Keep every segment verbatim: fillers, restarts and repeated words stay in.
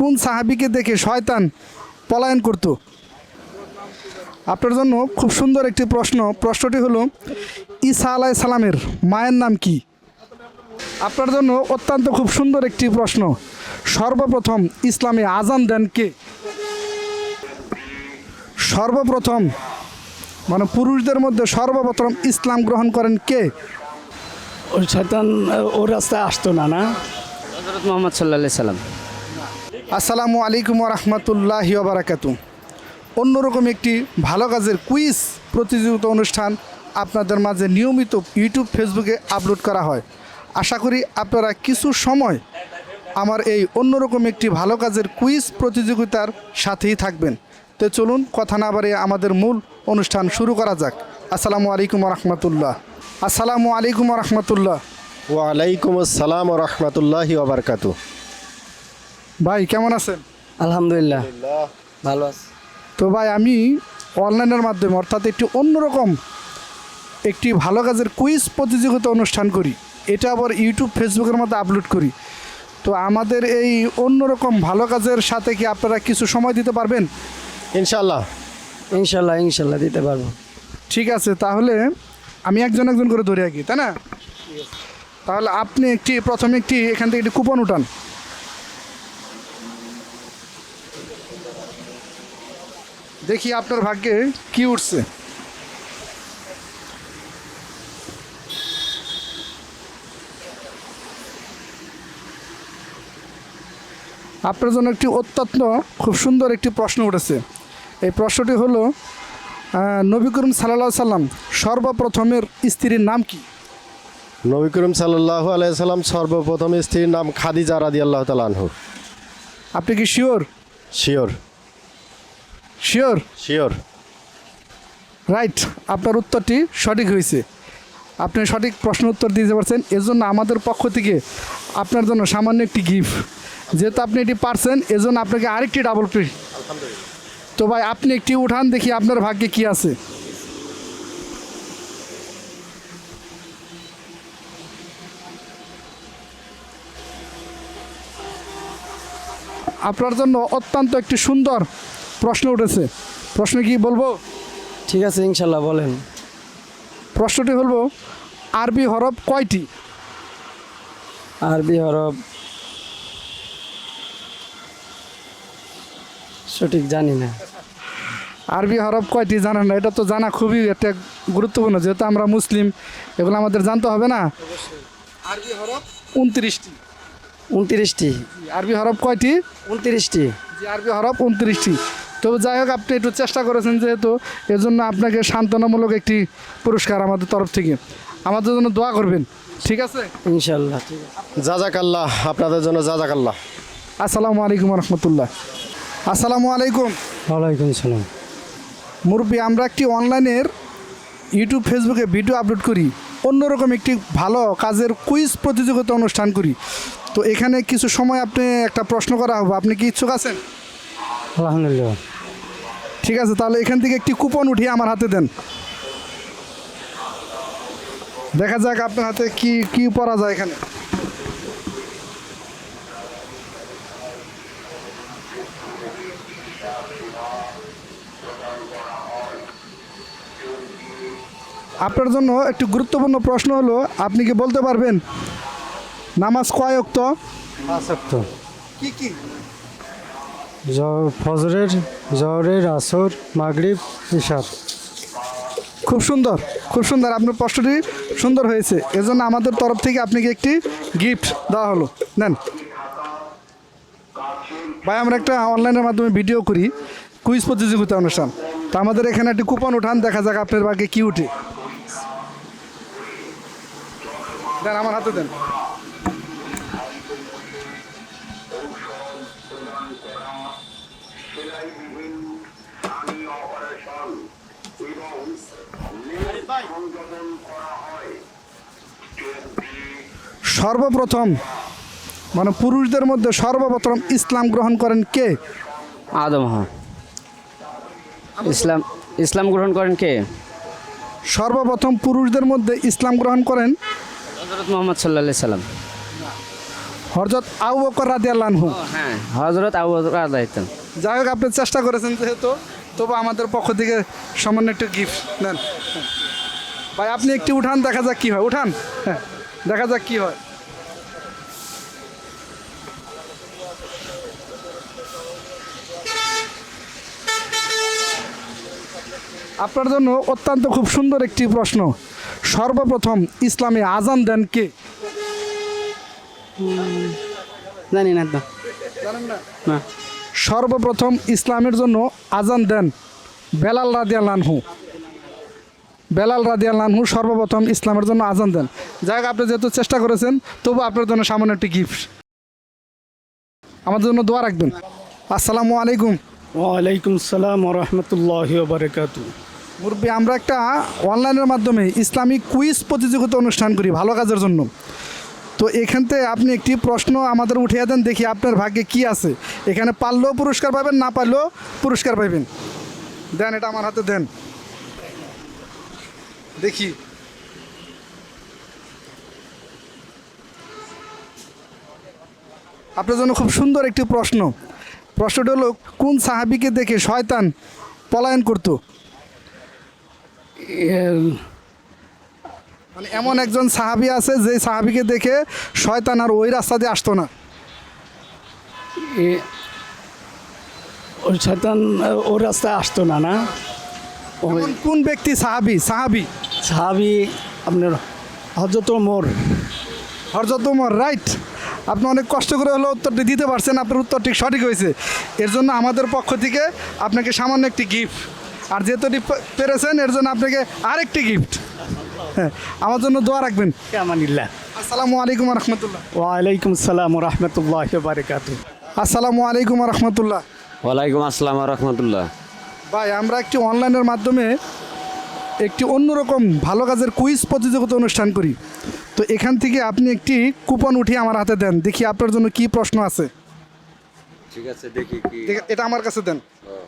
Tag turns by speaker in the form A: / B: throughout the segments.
A: কোন সাহাবীকে দেখে শয়তান পলায়ন করত? আপনার জন্য খুব সুন্দর একটি প্রশ্ন। প্রশ্নটি হলো ঈসা আলাইহিস সালামের মায়ের নাম কি? আপনার জন্য অত্যন্ত খুব সুন্দর একটি প্রশ্ন। সর্বপ্রথম ইসলামে আজান দেন কে? সর্বপ্রথম মানে পুরুষদের মধ্যে সর্বপ্রথম ইসলাম গ্রহণ করেন কে?
B: ওই শয়তান ওর রাস্তায় আসতো না না
C: হযরত মুহাম্মদ সাল্লাল্লাহু আলাইহি সাল্লাম।
A: আসসালামু আলাইকুম ওয়া রাহমাতুল্লাহি ওয়া বারাকাতুহু। অন্যরকম একটি ভালো কাজের কুইজ প্রতিযোগিতা অনুষ্ঠান আপনাদের মাঝে নিয়মিত ইউটিউব ফেসবুকে আপলোড করা হয়। আশা করি আপনারা কিছু সময় আমার এই অন্যরকম একটি ভালো কাজের কুইজ প্রতিযোগিতার সাথেই থাকবেন। তো চলুন কথা না বাড়িয়ে আমাদের মূল অনুষ্ঠান শুরু করা যাক। আসসালামু আলাইকুম ওয়া রাহমাতুল্লাহ। আসসালামু আলাইকুম ওয়া রাহমাতুল্লাহ।
D: ওয়ালাইকুম আসসালাম ওয়া রাহমাতুল্লাহি ওয়া বারাকাতুহু।
A: ভাই কেমন আছেন?
C: আলহামদুলিল্লাহ ভালো আছি।
A: তো ভাই আমি অনলাইনের মাধ্যমে অর্থাৎ একটি অন্যরকম একটি ভালো কাজের কুইজ প্রতিযোগিতা অনুষ্ঠান করি। এটা আবার ইউটিউব ফেসবুকের মধ্যে আপলোড করি। তো আমাদের এই অন্যরকম ভালো কাজের সাথে কি আপনারা কিছু সময় দিতে পারবেন?
D: ইনশাআল্লাহ
C: ইনশাল্লাহ ইনশাল্লাহ দিতে পারবো।
A: ঠিক আছে, তাহলে আমি একজন একজন করে ধরে আঁকি, তাই না? তাহলে আপনি একটি প্রথমে একটি এখান থেকে একটি কুপন উঠান। দেখি আপনার ভাগ্যে কি উঠছে। আপনার জন্য একটি অত্যন্ত খুব সুন্দর একটি প্রশ্ন উঠেছে। এই প্রশ্নটি হলো আহ, নবী করিম সাল্লাল্লাহু আলাইহি সাল্লাম সর্বপ্রথমের স্ত্রীর নাম কি?
D: নবী করিম সাল্লাল্লাহু আলাইহি সাল্লাম সর্বপ্রথম স্ত্রীর নাম খাদিজা রাদিয়াল্লাহু তাআলা আনহু।
A: আপনি কি sure?
D: Sure
A: sure
D: sure
A: right, আপনার উত্তরটি সঠিক হয়েছে। আপনি সঠিক প্রশ্ন উত্তর দিতে পারছেন, এজন্য আমাদের পক্ষ থেকে আপনার জন্য সামান্য একটি গিফট। যেহেতু আপনি এটি পারছেন এজন্য আপনাকে আরেকটি ডাবল প্লে। তো ভাই আপনি একটি উঠান, দেখি আপনার ভাগ্যে কি আছে। আপনার জন্য অত্যন্ত একটি সুন্দর প্রশ্ন উঠেছে। প্রশ্ন কি বলবো?
C: ঠিক আছে ইনশাল্লাহ বলেন।
A: প্রশ্নটি হলো আরবি হরফ কয়টি?
C: আরবি হরফ সঠিক জানি না।
A: আরবি হরফ কয়টি জানেন না? এটা তো জানা খুবই একটা গুরুত্বপূর্ণ, যেহেতু আমরা মুসলিম, এগুলো আমাদের জানতে হবে না? আরবি হরফ উনত্রিশটি।
C: উনত্রিশটি।
A: আরবি হরফ কয়টি?
C: উনত্রিশটি।
A: জি, আরবি হরফ উনত্রিশটি। তবে যাই হোক, আপনি একটু চেষ্টা করেছেন যেহেতু, এজন্য আপনাকে সান্ত্বনামূলক একটি পুরস্কার আমাদের তরফ থেকে। আমাদের জন্য দোয়া করবেন, ঠিক আছে?
C: ইনশাল্লাহ ঠিক আছে।
D: জাজাকাল্লাহ, আপনাদের জন্য জাজাকাল্লাহ।
A: আসসালামু আলাইকুম রহমতুল্লাহ। আসসালামু আলাইকুম।
C: ওয়ালাইকুম সালাম।
A: মুরব্বী, আমরা একটি অনলাইনের ইউটিউব ফেসবুকে ভিডিও আপলোড করি, অন্যরকম একটি ভালো কাজের কুইজ প্রতিযোগিতা অনুষ্ঠান করি। তো এখানে কিছু সময় আপনি একটা প্রশ্ন করা হবে, আপনি কি ইচ্ছুক আছেন?
C: আলহামদুলিল্লাহ।
A: ঠিক আছে, তাহলে এখান থেকে একটি কুপন উঠিয়ে আমার হাতে দেন। দেখা যাক আপনার হাতে কি কি পড়া যায় এখানে। আপনার জন্য একটি গুরুত্বপূর্ণ প্রশ্ন হলো, আপনি কি বলতে পারবেন নামাজ কয় ওয়াক্ত?
B: পাঁচ ওয়াক্ত।
A: কি কি?
B: ফজরের, জহরের, আসর, মাগরিব, ইশার।
A: খুব সুন্দর, খুব সুন্দর, আপনার প্রশ্নটি সুন্দর হয়েছে। এজন্য আমাদের তরফ থেকে আপনাকে একটি গিফট দেওয়া হলো, নেন ভাই। আমরা একটা অনলাইনের মাধ্যমে ভিডিও করি, কুইজ প্রতিযোগিতা অনুষ্ঠান। তো আমাদের এখানে একটি কুপন উঠান, দেখা যাক আপনার ভাগ্যে কি উঠে। দেন, আমার হাতে দেন। সর্বপ্রথম মানে পুরুষদের মধ্যে সর্বপ্রথম ইসলাম গ্রহণ করেন কে?
C: আদম। হ্যাঁ, ইসলাম ইসলাম গ্রহণ করেন কে?
A: সর্বপ্রথম পুরুষদের মধ্যে ইসলাম গ্রহণ করেন
C: হযরত মুহাম্মদ সাল্লাল্লাহু আলাইহি সাল্লাম।
A: হযরত আবু বকর রাদিয়াল্লাহু আনহু।
C: হ্যাঁ হজরত আবু বকর রাদিয়াল্লাহু।
A: যাই হোক, আপনি চেষ্টা করেছেন যেহেতু, তবু আমাদের পক্ষ থেকে সামান্য একটু গিফট নেন। ভাই আপনি একটু উঠান, দেখা যাক কি হয়। উঠান, হ্যাঁ দেখা যাক কি হয়। আপনার জন্য অত্যন্ত খুব সুন্দর একটি প্রশ্ন। সর্বপ্রথম ইসলামে আজান দেন কে?
B: জানি না তো।
A: জানেন না?
B: না।
A: সর্বপ্রথম ইসলামের জন্য আজান দেন বেলাল রাদিয়াল্লাহু আনহু। বেলাল রাদিয়াল্লাহু আনহু সর্বপ্রথম ইসলামের জন্য আজান দেন। যাই হোক, আপনি যেহেতু চেষ্টা করেছেন, তবু আপনার জন্য সামান্য একটি গিফট। আমাদের জন্য দোয়া রাখবেন। আসসালামু আলাইকুম।
B: ওয়ালাইকুম সালাম ওয়া রাহমাতুল্লাহি ওয়া বারাকাতুহু।
A: মুরব্বী, আমরা একটা অনলাইনের মাধ্যমে ইসলামিক কুইজ প্রতিযোগিতা অনুষ্ঠান করি ভালো কাজের জন্য। তো এখান থেকে আপনি একটি প্রশ্ন আমাদের উঠিয়ে দেন, দেখি আপনার ভাগ্যে কি আছে। এখানে পারলেও পুরস্কার পাবেন, না পারলেও পুরস্কার পাবেন। দেন, এটা আমার হাতে দেন, দেখি। আপনার জন্য খুব সুন্দর একটি প্রশ্ন। প্রশ্নটা হলো, কোন সাহাবীকে দেখে শয়তান পলায়ন করতো?
B: এ-
A: মানে এমন একজন সাহাবী আছে যে সাহাবীকে দেখে শয়তান আর ওই রাস্তা দিয়ে আসতো না।
B: এ- ওই শয়তান ওর রাস্তায় আসতো না না। ওই
A: এমন কোন ব্যক্তি সাহাবী? সাহাবী
B: সাহাবি আপনার হযরত ওমর।
A: হযরত ওমর, রাইট। আপনি অনেক কষ্ট করে হলো উত্তরটি দিতে পারছেন, আপনার উত্তর ঠিক সঠিক হয়েছে। এর জন্য আমাদের পক্ষ থেকে আপনাকে সামান্য একটি গিফট, আর যেহেতু এটি পে- পেরেছেন এর জন্য আপনাকে আরেকটি গিফট। হ্যাঁ, আমার জন্য দোয়া রাখবেন।
B: আমানিল্লাহ।
A: আসসালামু আলাইকুম রহমতুল্লাহ।
B: ওয়ালাইকুম সালাম ওয়া রাহমাতুল্লাহি ওয়া বারাকাতুহু।
A: আসসালামু আলাইকুম রহমতুল্লাহ।
C: ওয়ালাইকুম আসসালাম রহমতুল্লাহ।
A: ভাই, আমরা একটি অনলাইনের মাধ্যমে একটি অন্যরকম ভালো কাজের কুইজ প্রতিযোগিতা অনুষ্ঠান করি। তো এখান থেকে আপনি একটি কুপন উঠিয়ে আমার হাতে দেন, দেখি আপনার জন্য কি প্রশ্ন আছে।
C: ঠিক আছে, দেখি কি।
A: দেখ- এটা আমার কাছে দেন।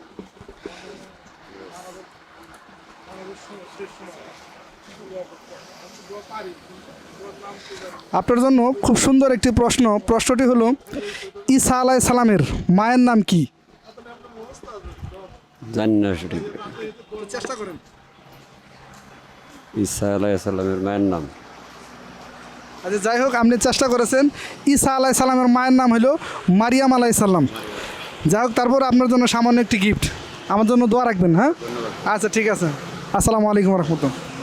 A: আপনার জন্য খুব সুন্দর একটি প্রশ্ন। প্রশ্নটি হলো, ঈসা আলাইহিস সালামের মায়ের নাম কি?
C: জানি না সঠিক।
A: চেষ্টা করেন।
C: ঈসা আলাইহিস সালামের মায়ের নাম
A: আচ্ছা, যাই হোক, আপনি চেষ্টা করেছেন। ঈসা আলাইহিস সালামের মায়ের নাম হলো মারিয়াম আলাইহিস সালাম। যাই হোক, তারপর আপনার জন্য সামান্য একটি গিফট। আমার জন্য দোয়া রাখবেন। হ্যাঁ, আচ্ছা ঠিক আছে। আসসালামু আলাইকুম রহমতুল্লাহ।